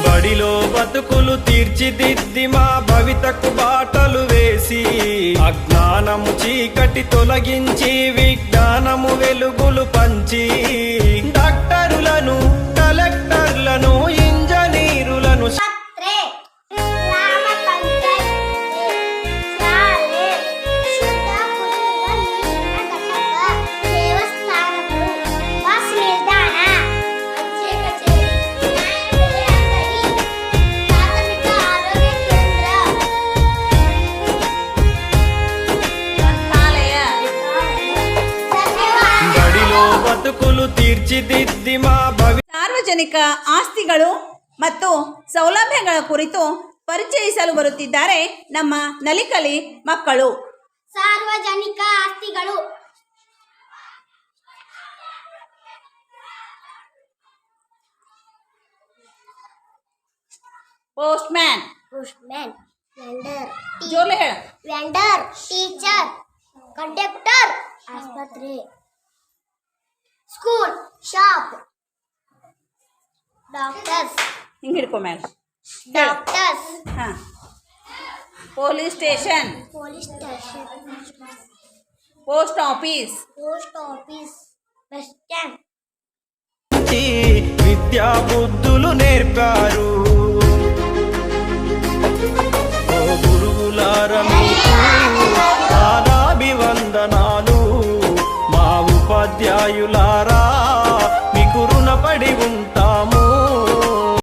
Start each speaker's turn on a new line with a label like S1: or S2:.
S1: బడిలో బతుకులు తీర్చిదిద్ది మా భవితకు బాటలు వేసి అజ్ఞానము చీకటి తొలగించి విజ్ఞానము వెలుగులు పంచి డాక్టరులను కలెక్టర్లను ఇంజనీరులను ಬದುಕುಲು ತೀರ್ಚಿದಿದ್ದಿ ಮಾ
S2: ಸಾರ್ವಜನಿಕ ಆಸ್ತಿಗಳು ಮತ್ತು ಸೌಲಭ್ಯಗಳ ಕುರಿತು ಪರಿಚಯಿಸಲು ಬರುತ್ತಿದ್ದಾರೆ ನಮ್ಮ ನಲಿಕಲಿ ಮಕ್ಕಳು.
S3: ಸಾರ್ವಜನಿಕ ಆಸ್ತಿಗಳು
S2: ಪೋಸ್ಟ್ಮ್ಯಾನ್,
S3: ವೆಂಡರ್,
S2: ಜೋರ್ಲೆ ಹೇಳ.
S3: ವೆಂಡರ್, ಟೀಚರ್, ಕಂಡಕ್ಟರ್, ಆಸ್ಪತ್ರೆ, ಸ್ಕೂಲ್, ಶಾಪ್, ಡಾಕ್ಟರ್ಸ್,
S2: ಹಿಂಗೆ ಹಿಡ್ಕೊ ಮೇಲೆ.
S3: ಡಾಕ್ಟರ್ಸ್,
S2: ಹಾಂ. Police station, post office,
S3: bus stand.
S1: విద్యా బుద్ధులు నేర్పారు.